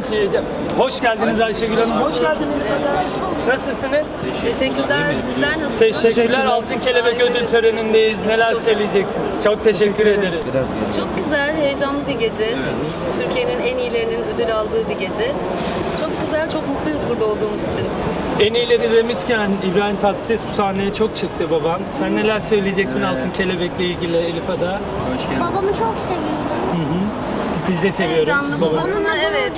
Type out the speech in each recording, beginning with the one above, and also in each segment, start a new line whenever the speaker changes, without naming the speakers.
heyecan. Hoş geldiniz Ayşegül Hanım. Hoş geldiniz. Nasılsınız?
Teşekkürler. Sizler nasılsınız?
Teşekkürler. Altın Kelebek Ödül törenindeyiz. Neler söyleyeceksiniz? Çok teşekkür ederiz.
Çok güzel, heyecanlı bir gece. Türkiye'nin en iyilerinin ödül aldığı bir gece. Çok güzel, çok mutluyuz burada olduğumuz için.
En iyileri demişken İbrahim Tatlıses bu sahneye çok çıktı baban. Sen neler söyleyeceksin Altın Kelebek'le ilgili Elif Ada?
Babamı çok seviyorum.
Biz de seviyoruz
Heyecanlı
babanızı.
babasına, evet.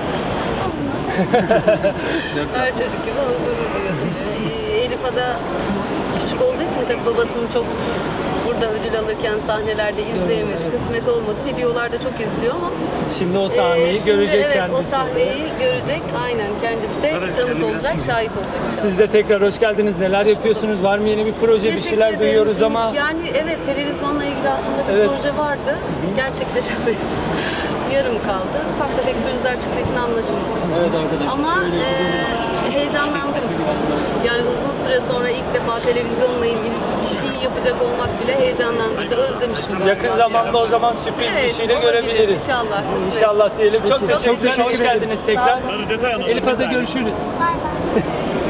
Her çocuk gibi onu gurur duyuyor tabii. Elif Ada küçük olduğu için tabii babasını çok burada ödül alırken sahnelerde izleyemedi. Kısmet olmadı. Videolarda çok izliyor ama
Şimdi o sahneyi
şimdi
görecek
evet,
kendisi.
o sahneyi görecek. Aynen, kendisi de tanık olacak, şahit olacak.
Siz de tekrar hoş geldiniz. Neler yapıyorsunuz? Var mı yeni bir proje? Bir
Teşekkür
şeyler
ederim.
duyuyoruz ama
Yani evet, televizyonla ilgili aslında bir
Evet.
proje vardı. Gerçekleşemedi. Yarım kaldı. Ufak tefek pürüzler çıktığı için anlaşamadık.
evet arkadaşlar.
Ama heyecanlandım. Yani uzun süre sonra ilk defa televizyonla ilgili bir şey yapacak olmak bile heyecanlandırdı. Özlemişim galiba.
Yakın zamanda o zaman sürpriz bir
Evet,
şey de
olabilir.
görebiliriz.
İnşallah. kısmet.
İnşallah diyelim. Çok teşekkürler.
teşekkür
Hoş
ederim.
geldiniz tekrar.
Sağ olun.
Elif Ada görüşürüz.
Bay bay.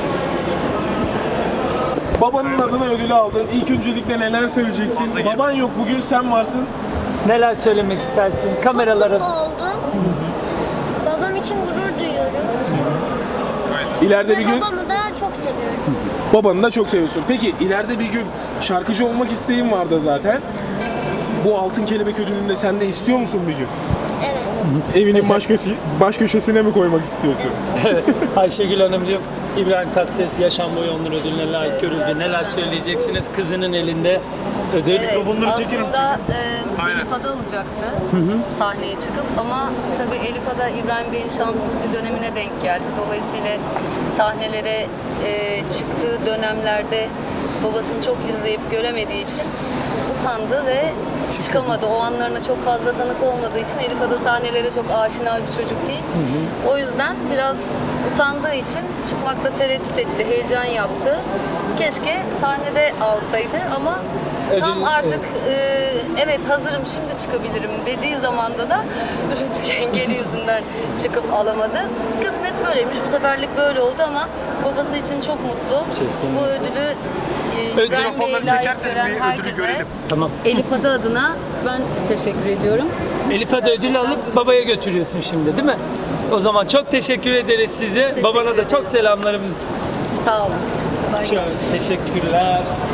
Babanın adına ödülü aldın. İlk öncelikle neler söyleyeceksin? Baban yok, bugün sen varsın.
Neler söylemek istersin? Kameraların.
Mutlu oldum. Babam için gurur duyuyorum.
İleride
Ve
bir gün
babamı da çok seviyorum.
babanı da çok seviyorsun. Peki ileride bir gün şarkıcı olmak isteğin vardı zaten. Bu Altın Kelebek ödülünü de sen de istiyor musun bir gün?
Evet.
Evinin baş köşesine mi koymak istiyorsun?
Ayşegül Hanım diyor, İbrahim Tatlıses yaşam boyu onur ödülüne layık görüldü. Neler söyleyeceksiniz? Kızının elinde ödül.
Evet, aslında Elif Ada alacaktı sahneye çıkıp ama tabii Elif Ada İbrahim Bey'in şanssız bir dönemine denk geldi. Dolayısıyla sahnelere çıktığı dönemlerde babasını çok izleyip göremediği için utandı ve çıkamadı. O anlarına çok fazla tanık olmadığı için Elif Ada sahnelere çok aşina bir çocuk değil. O yüzden biraz utandığı için çıkmakta tereddüt etti, heyecan yaptı. Keşke sahnede alsaydı ama tam
Ödül-
artık evet hazırım şimdi çıkabilirim dediği zamanda da rütük engeli yüzünden çıkıp alamadı. Kısmet böyleymiş. Bu seferlik böyle oldu ama babası için çok mutlu.
Kesinlikle.
Bu ödülü İbrahim Bey'e layık gören herkese,
Tamam.
Elif Ada adına ben teşekkür ediyorum.
Elif Ada ödülü alıp babaya götürüyorsun şimdi değil mi? O zaman çok teşekkür ederiz size.
Teşekkür
Babana da çok
ederiz.
selamlarımız.
Sağ olun. Kolay gelsin.
Teşekkürler.